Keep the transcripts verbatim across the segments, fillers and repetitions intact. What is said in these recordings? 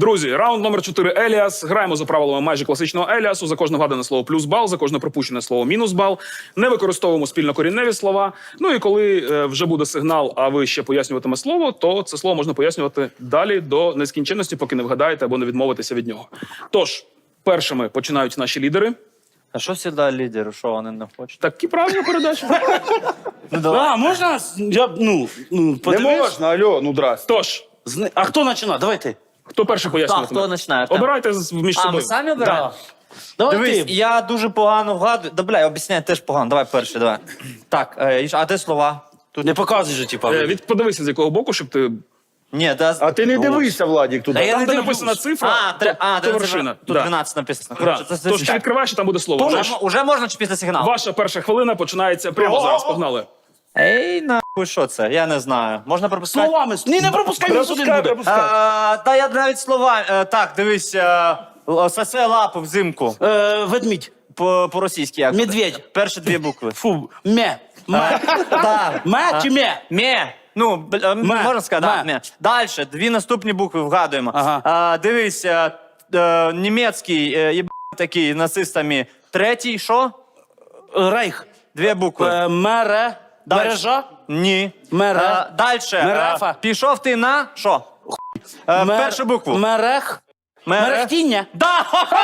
Друзі, раунд номер чотири Еліас. Граємо за правилами майже класичного Еліасу. За кожне вгадане слово плюс бал, за кожне пропущене слово мінус бал. Не використовуємо спільнокорінневі слова. Ну і коли е, вже буде сигнал, а ви ще пояснюватиме слово, то це слово можна пояснювати далі до нескінченності, поки не вгадаєте або не відмовитеся від нього. Тож, першими починають наші лідери. А що завжди лідери? Що вони не хочуть? Такі правильні передачі. А, можна? Я, ну, ну, Не подивись. можна, алло, ну здрасте. Тож, Зни- А хто починає? Давай ти. хто перший Так, пояснюватиме? хто починає? Артем? Обирайте з- між А, собою. ми самі обираємо? Давай Дивись, ти. я дуже погано вгадую. Да, бля, об'ясняю теж погано. Давай перший, давай. Так, е, і ж- а де слова? Тут... Не показуй же, типа. Е, від, подивися, з якого боку, щоб ти... Ні, да... А ти не дивися, Владік, туди. Та я Там, не де дивлюсь. написана цифра, а, то- тре... а, то де вершина. Тут Да. дванадцять написано. Да. Коротше, це, це, Тож, це, відкриваєш, і там буде слово. Уже, Ваш- мо- уже можна чи після сигналу? Ваша перша хвилина починається прямо зараз. Погнали. Ей, нахуй, що це? Я не знаю. Можна пропускати? Словами. Ні, не пропускай, він сюди Пропускай, буде. пропускай. А, та я навіть слова... е, Так, дивись. е, л- Сосе лапу взимку. Е, ведмідь. По- По-російськи як? Медведь. Перші дві букви. Фу. Ме. Ме. Так. Ме чи ме? Ме. Ну, б- е, Ме. можна сказати, да, Ме. ме. Далі, дві наступні букви вгадуємо. Ага. А, дивись, е, е, німецький, е, єб... такий, нацистами. Третій, що? Рейх. Дві букви. Е, Мере. Дальше. Мережа. Ні. Мере. Далі. Мерефа. Пішов ти на, що? Е, Мер- Першу букву. Мерех. Мере- Мерехтіння. Да!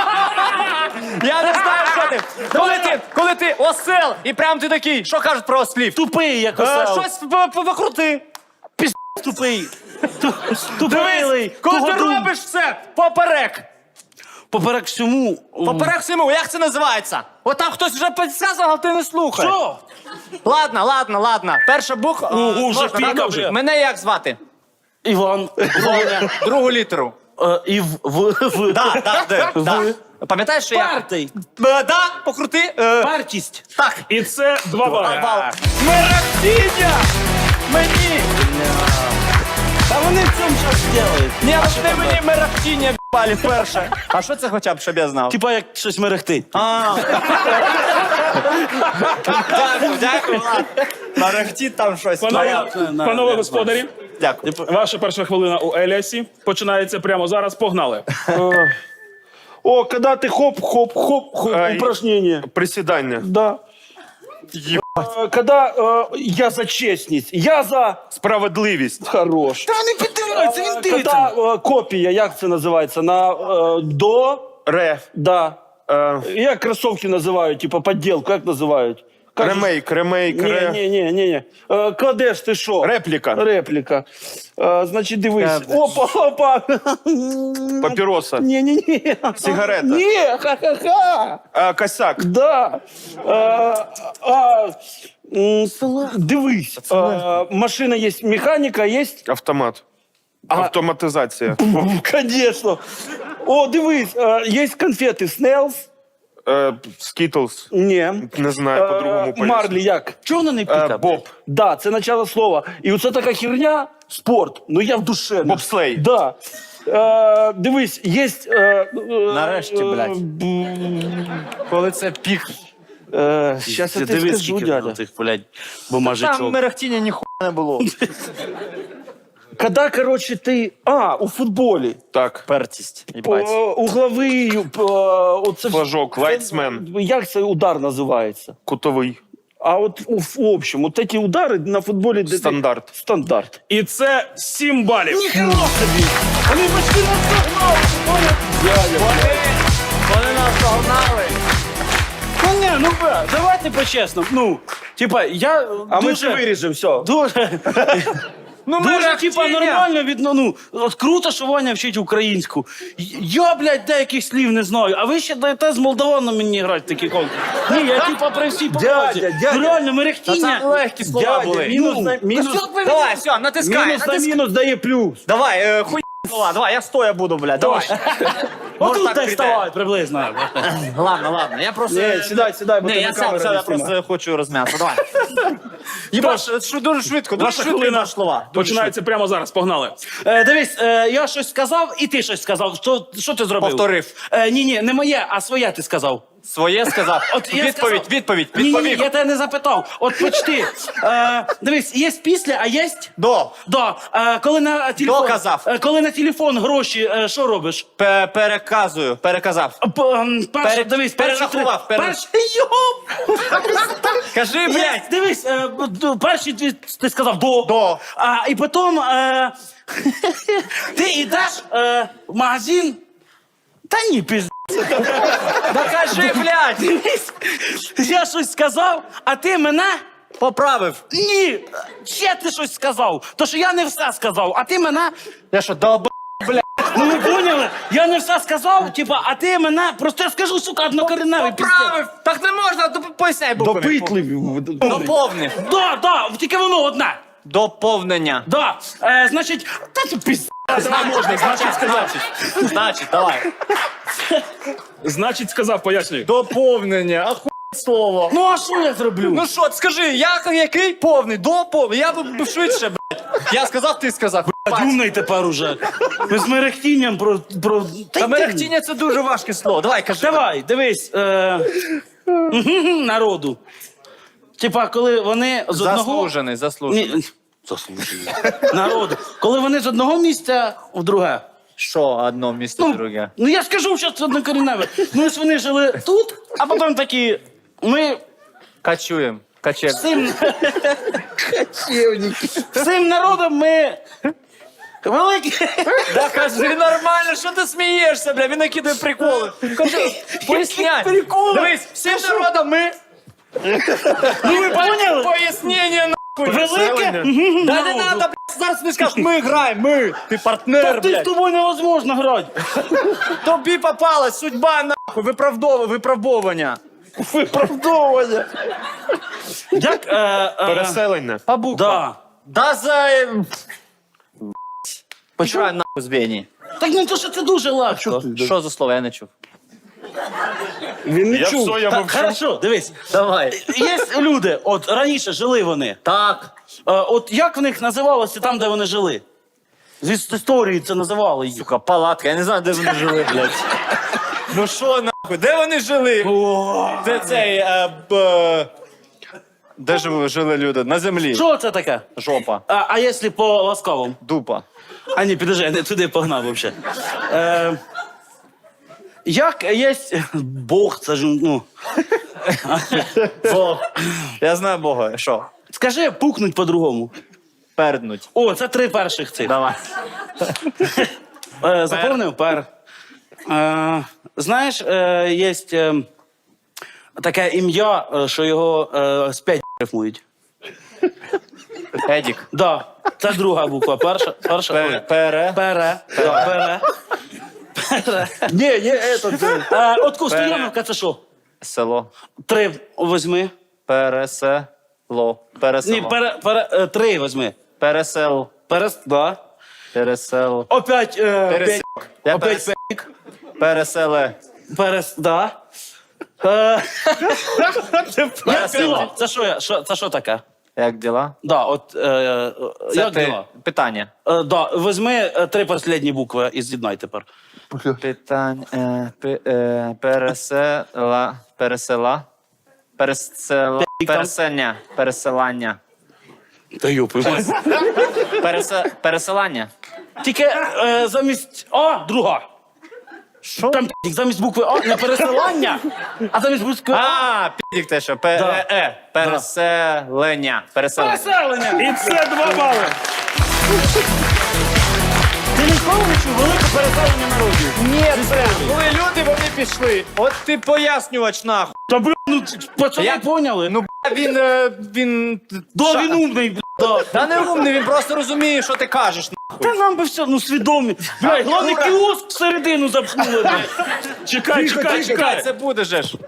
Я не знаю, що ти. Коли ти, коли ти осел, і прям ти такий, що кажуть про ослів? Тупий, як Е, осел. Щось в- в- викрути. Тупий. Дивись, Тупий. коли ти робиш все поперек. Поперек всьому. Поперек всьому, як це називається? От там хтось вже підказував, а ти не слухаєш. Що? Ладно, ладно, ладно. Перша буква. Ну, е, вже можна, піка так? вже. Мене як звати? Іван. Воня. Другу літеру. Е, І в. В. В. Да, да, де, да. Пам'ятаєш, що я... Партий. Е, Да, покрути. е, Партість. Так. І це два бали. Бал. Мерехтіння! Мені! Та вони в цьому щось роблять. Ні, вони мені мерехтіння б***али перше. А що це хоча б, щоб я знав? Типа як щось мерехтить. А. Дякую, дякую, ладно. Мерехтіть там щось. Панове, Ну, я- панове я- господарі, Дякую. ваша перша хвилина у Еліасі починається прямо зараз. Погнали. О, когда ты хоп-хоп-хоп, Ай. упражнение. Присідання. Да. Э, Когда э, я за честность, я за... Справедливість. Хорош. Та не підтримується, він Э, дивиться. Когда э, копия, як це називається, на э, до, Ре. да. Е, Як кросовки називають, типа подделку, як називають? Как же- ремейк, ремейк, Ні, ре. ні, ні, ні, ні. Е, Кладеш ти що? Репліка. Репліка. Е, Значить, дивись. Кладеш. Опа, опа. Папіроса. Ні, ні, ні. Сигарета. Ні, ха-ха-ха. Е, косяк. Да. Е, а, м, Дивись. Е, Машина є, механіка є. Автомат. Автоматизація. Конечно. О, дивись, е, є конфети Снелс. Е, Скітлз. Ні. Не знаю, по-другому Е, поясню. Марлі як? Чого вона не Е, піка? Боб. Да, це начало слова. І оце така херня, спорт. Ну я в душе. Бобслей. Да. Е, дивись, є... Е, е, Нарешті, блядь. Коли це пік. Е, Щас я тобі Дивись, скажу, скільки дядя. тих, блядь, Там бумажечок. мерехтіння ніхуя не було. Когда, короче, ти... А, у футболі. Так. Пертість. О, Їбать. угловий... е, оце, Флажок, це- лайтсмен. Як цей удар називається? Кутовий. А от у- в общем, от ці удари на футболі... де ти- Стандарт. Стандарт. І це сім балів. Ніхера собі! Вони почти нас догнали! Вони нас догнали. Ну ні, ну бра, давайте по-чесному. Ну, типа, я А ми дуже... це виріжемо, все. Дуже... Ну, Дуже, мерехтіння. типа, нормально від, ну, от круто, що Ваня вчить українську. Я, блядь, деяких слів не знаю, а ви ще даєте з молдаванами мені грати такі конкурси. Ні, я, типа, при всій повазі. Дядя, дядя. Ну, реально, Та мерехтіння. це легкі слова Дядя, були. мінус на мінус, Давай, все, натискай. мінус, на натискай. мінус дає плюс. Давай, е, хуй слова, давай, я стоя буду, блядь, давай. Може, Отут так так прийде. вставай приблизно. Ладно, ладно, я просто... Ні, сідай, сідай, бо Ні, тебе я сам, камера сам, не я просто знімає. хочу розм'ятися, давай. Їбаш, що дуже швидко, дуже Ваша швидко хвилина їбаш слова. Дуже починається прямо зараз. Погнали. Е, дивись, е, я щось сказав, і ти щось сказав. Що, що ти зробив? Повторив. Е, ні, ні, не моє, а своє ти сказав. Своє сказав. От я відповідь, сказав- відповідь, Ні, ні, ні, відповів. я тебе не запитав. От почти. Е, дивись, є після, а є? До. Да. Е, коли на телефон, Доказав. Е, коли на телефон гроші, е, що робиш? Пе- Переказую, переказав. П- ем, перш, Пере- дивись, перші перерахував, три- пере- перш- Йоп! Кажи, Є, блядь. дивись, е, б- д- перші ти, ти сказав до. До. А, і потім е, ти йдеш е, в магазин. Та ні, пізд. Да кажи, блядь. Дивись, я щось сказав, а ти мене. Поправив. Ні, ще ти щось сказав. То що я не все сказав, а ти мене. Я що, долб... Ну ви поняли? Я не все сказав, типа, а ти мене. Просто я скажу, сука, однокореневий піздець. Поправив. Так не можна, то поясняй буквами. Допитливі. Доповни. Да, да, тільки воно одне. Доповнення. Да. Е, значить, та ти пізд. Можна, значить, сказав. Значить, давай. Значить, сказав, пояснюю. Доповнення, ахуй слово. Ну а що я зроблю? Ну що, скажи, я який повний? Доповний. Я б швидше, блядь. Я сказав, ти сказав. Думай тепер уже. Ми з мерехтінням про. про... Та Та йди. мерехтіння це дуже важке слово. Давай, кажи. Давай, дивись. Е... Народу. Типа, коли вони з одного. Заслужений, заслужений. Ні, заслужений. Народу. Коли вони з одного місця в друге. Що одно місце, Ну, друге? ну я скажу, що це однокоріневе. Ну ось вони жили тут, а потім такі. Ми Качуємо. Качем. всім. Всім народом ми. Великі. Да кажи нормально, що ти смієшся, бля, він накидає приколи. Кажи, поясняй. приколи? Дивись, всім народом ми... Ну ви поняли? Пояснення, нахуй. Велике. Да не надо, блядь, зараз не скажеш, ми граємо, ми. Ти партнер, Ти з блядь. тобою невозможно грати. Тобі попалась судьба, нахуй, виправдовування, виправдовування. Виправдовування. Як? Е, е, Переселення. По буквам. да. Да за... Почувай нахуй з Бені. Так ну то що це дуже легко. Що за слово, я не чув. Він не Я чув. все, я Так, мовчу. хорошо, дивись. Давай. Є люди, от раніше жили вони. Так. Е, от як в них називалося там, де вони жили? З іс- історії це називали їх. Сука, палатка, я не знаю, де вони жили, блядь. Ну що нахуй, де вони жили? Де цей, е, б... Де ж жили люди? На землі. Що це таке? Жопа. А, а якщо по ласкавому? Дупа. А ні, підожди, я не туди погнав взагалі. Е, як є Бог, це ж, ну. Бог. Я знаю Бога. Що? Скажи, пукнуть по-другому. Перднуть. О, це три перших цих. Давай. Е, заповнив пер. Е, знаєш, е, є е, таке ім'я, е, що його е, з п'ять рифмують. Едік. Да, це друга буква. Перша, перша. Пере. Пере. Пере. Да, пере. Пере. Ні, є этот. е, Е, от Стояновка це що? Село. Три возьми. Пересело. Пересело. Ні, пере, пере, е, три возьми. Пересел. Перес, да. Пересел. Опять, е, Перес- п'ять. Я Опять перес- п'ять. Переселе. Перес, да. Е, як Переселе. діла? Це що, я- що, це що таке? Як діла? Да, от, е, е, Це як ти- діла? Питання. Е, да, візьми е, три останні букви і з'єднай тепер. Питання. Е, пе- е, пересела. Пересела. Пересела. там. Переселення. Переселання. Та юпи. Пересе... Пересилання. Тільки е, замість А, друга. Що? Там п'ять, замість букви А не пересилання, а замість букви А. А, підік те, що. Пе... Да. Е, е. Переселення. Переселення. Переселення. І це два бали. Ти ніколи не чув велике переселення народів? Ні, це. Коли люди, вони пішли. От ти пояснювач, нахуй. Та бля, ну пацани Я- поняли. Ну, бля, він... е, він... Да, Ша- він умний, бля, да. Та не умний, він просто розуміє, що ти кажеш. Та нам би все, ну свідомі. Бля, головне кіоск всередину запхнули. бля. Чекай, чекай, чекай. Це буде же ж.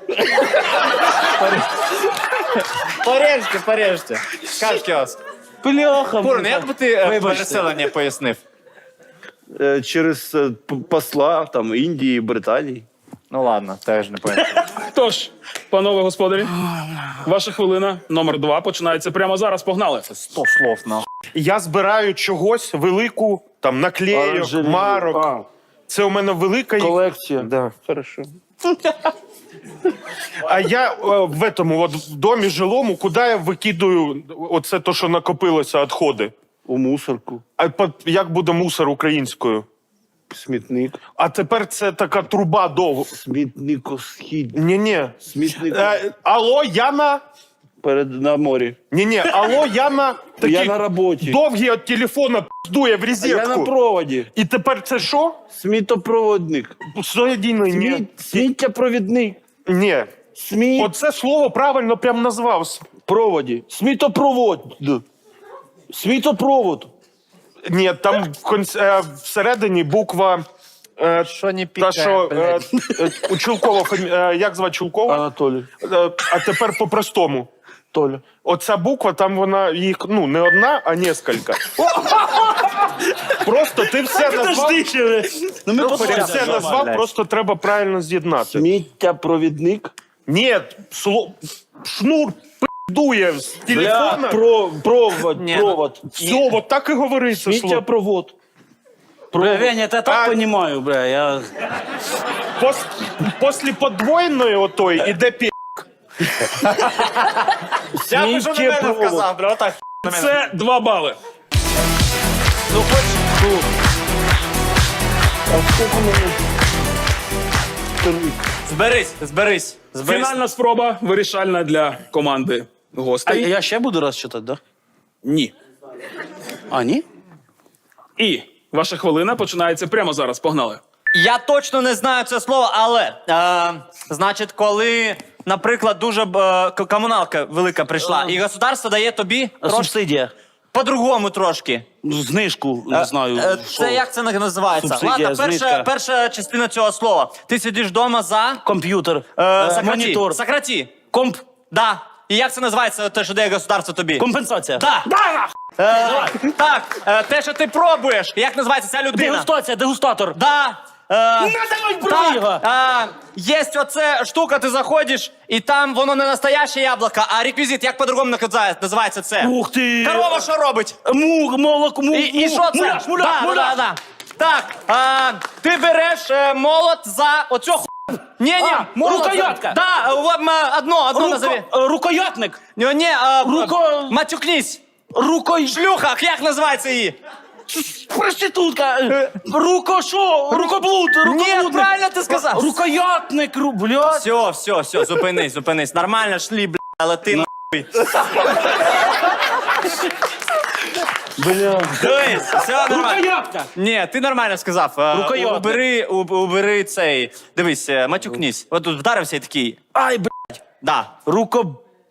Порежте, порежте. Скажеш кіоск. Бляха. Курн, бля. як би ти е, Вибачте. переселення пояснив? е, Через е, п- посла там Індії, Британії. Ну ладно, теж не пояснив. Тож, панове господарі, ваша хвилина номер два починається прямо зараз. Погнали. Сто слов, нахуй. Я збираю чогось велику, там наклейок, Оранжерею. марок. А, Це у мене велика їх- колекція. Да, хорошо. А я е, в этому, от в домі жилому, куди я викидаю оце то, що накопилося, відходи? У мусорку. А по- як буде мусор українською? Смітник. А тепер це така труба довго. Смітникосхід. Ні-ні. Смітник. Е, алло, Яна? Перед на морі. Ні-ні, алло, Яна. Такий Я на роботі. довгий від телефона піздує в Я на розетку. проводі. І тепер це що? Смітопроводник. Соєдіно, ні. Сміт... Сміттєпровідник. Ні. Сміт... Оце слово правильно прям назвав. Проводі. Смітопровод. Смітопровод. Ні, там в конц- е, всередині буква... Е, Що не та, пікає, що е, блядь. е, у Чулкова, фамі- е, як звати Чулкова? Анатолій. Е, а тепер по-простому. Толя. Оця буква, там вона їх, ну, не одна, а несколько. Просто ти все назвав, Ну, ми ти посмотримо. все назвав, просто треба правильно з'єднати. Сміттєпровідник. Ні, сло... шнур пиздує з Бля, телефона. про, провод, Ні, провод. Все, от так і говориться слово. Сміттєпровод. Бля, Веня, я так А- понимаю, бля, я... Пос... После подвоєної отої іде пі... Я би що на мене Сміттєпровод. сказав, бля, отак. на мене. Це два бали. Ну, хоч... ну, А скільки мені? Зберись, зберись, зберись. Фінальна спроба вирішальна для команди А гостей. я ще буду раз читати, да? Ні. А, ні? І ваша хвилина починається прямо зараз. Погнали. Я точно не знаю це слово, але, е, значить, коли, наприклад, дуже е, к- комуналка велика прийшла, і государство дає тобі трошки Субсидія. по-другому трошки. Ну, знижку, не знаю. Е, що. Це як це називається? Субсидія, Ладно, перша, знижка. перша частина цього слова. Ти сидиш вдома за Комп'ютер, е, е, сократі. монітор, Сократі. комп... Да. І як це називається, те, що дає государство тобі? компенсація. Да. Е, так, е, те, що ти пробуєш, як називається ця людина? Дегустація, дегустатор. Да. Е, давай, бери його. так, е, є оце штука, ти заходиш, і там воно не настояще яблуко, а реквізит, як по-другому називає- називається це? Ух ти! Корова що робить? Мух, молок, мух, І, і що це? Муляж, муляж, да, муляж. Да, да, да. Так, е, ти береш е, молот за оцю ху... Ні, ні, А, молот за- рукоятка. Да, е, в- м, одно, одно Руко, назови. е, рукоятник. Ні, ні, е, Руко- матюкнись. Рукой... Шлюха, як називається її? Проститутка. е, Руко що? Рукоблуд, рукоблудник. Ні, правильно ти сказав. Рукоятник, ру, блядь. Все, все, все, зупинись, зупинись. Нормально шлі, бля, але ти нахуй. Бля. Дивись, все нормально. Рукоятка. Ні, ти нормально сказав. Е, Рукоятник. Убери, уб- убери цей. Дивись, е, матюкнись. От тут вдарився і такий. Ай, блядь. Да. Руко...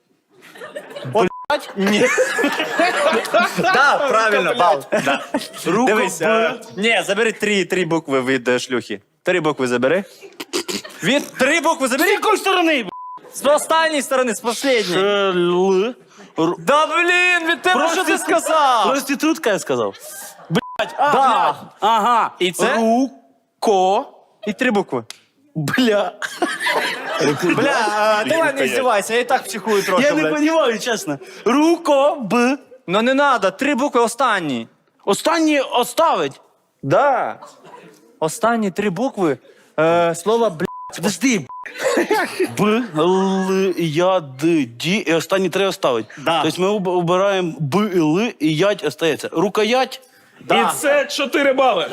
Ні. Да, правильно, бал. Да. Руко... Дивись, е, ні, забери три, три букви від е, шлюхи. Три букви забери. Від три букви З забери. якої сторони, блядь? З останньої сторони, з последньої. Е, Л... Ру- Да блін, від тебе що ти Проститут- сказав? Проститутка, я сказав. Блядь, а, Да. блядь. Ага. І це? Руко... І три букви. Бля. Бля, а, давай не здівайся, я і так психую трохи, Я не блядь. розумію, чесно. Руко... Б... Ну не надо, три букви останні. Останні оставить. Да. Останні три букви е, слова бля. Подожди. Б, Л, Я, Д, Д, і останні три оставить. Да. Тобто ми об- обираємо Б, і Л, і Ять остається. Рукоять. Да. І це чотири бали.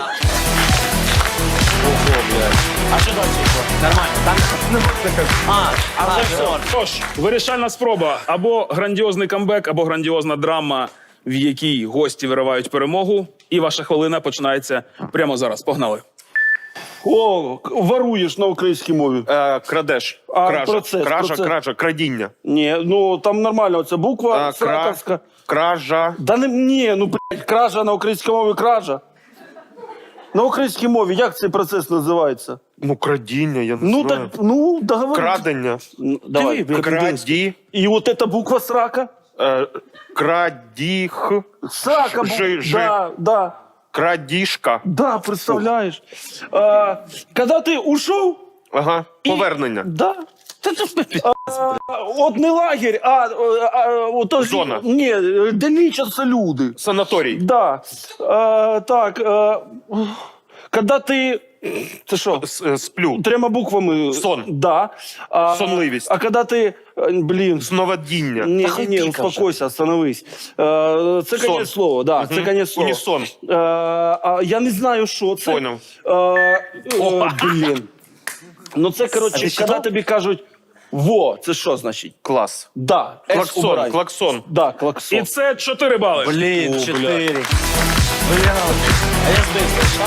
А що далі? Нормально, там не можна. А, а вже все. Тож, вирішальна спроба. Або грандіозний камбек, або грандіозна драма, в якій гості виривають перемогу. І ваша хвилина починається прямо зараз. Погнали. О, к- воруєш на українській мові. Е, крадеш. А, Кража, процес, кража, процес. кража, крадіння. Ні, ну там нормально, це буква А, кра... сраковська. Кража. Да не, ні, ну, блядь, кража на українській мові кража. На українській мові як цей процес називається? Ну, крадіння, я не Ну, знаю. так, ну, договори. Крадення. Ну, давай, Диви, як Краді. І от эта буква срака. Е, крадіх. Срака, бу- Жи- жи. да, да, Крадіжка. да, представляєш. А, когда ты ушел, Ага, повернення. да, а, от не лагерь, а, а, а от, Зона. Ні, де лічаться люди. Санаторій. Да. А, так, а, Коли ти... Це що? С- е, Сплю. Трьома буквами. Сон. Да. А, Сонливість. А коли ти... е, Блін. Сновидіння. Ні, Та ні, ні, ході, каже. успокойся, остановись. Е, Це Сон. конець слова, да, це конець слова. Унісон. Е, а, Я не знаю, що це. Поняв. Е, е, Блін. Ну це, А коротше, ти коли читав? тобі кажуть «во», це що значить? Клас. Да. С Клаксон, убирай. клаксон. Да, клаксон. І це чотири бали. Блін, О, чотири. Бля. А я збився, що?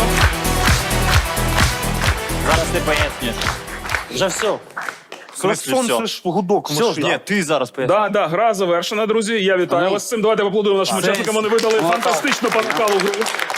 Зараз ти пояснюєш. Вже все. В смислі Клаксон все? це ж гудок в Все, машині. ні, ти зараз пояснюєш. Да, да, гра завершена, друзі. Я вітаю вас з цим. Давайте поаплодуємо нашим учасникам. Вони видали фантастичну панакалу гру.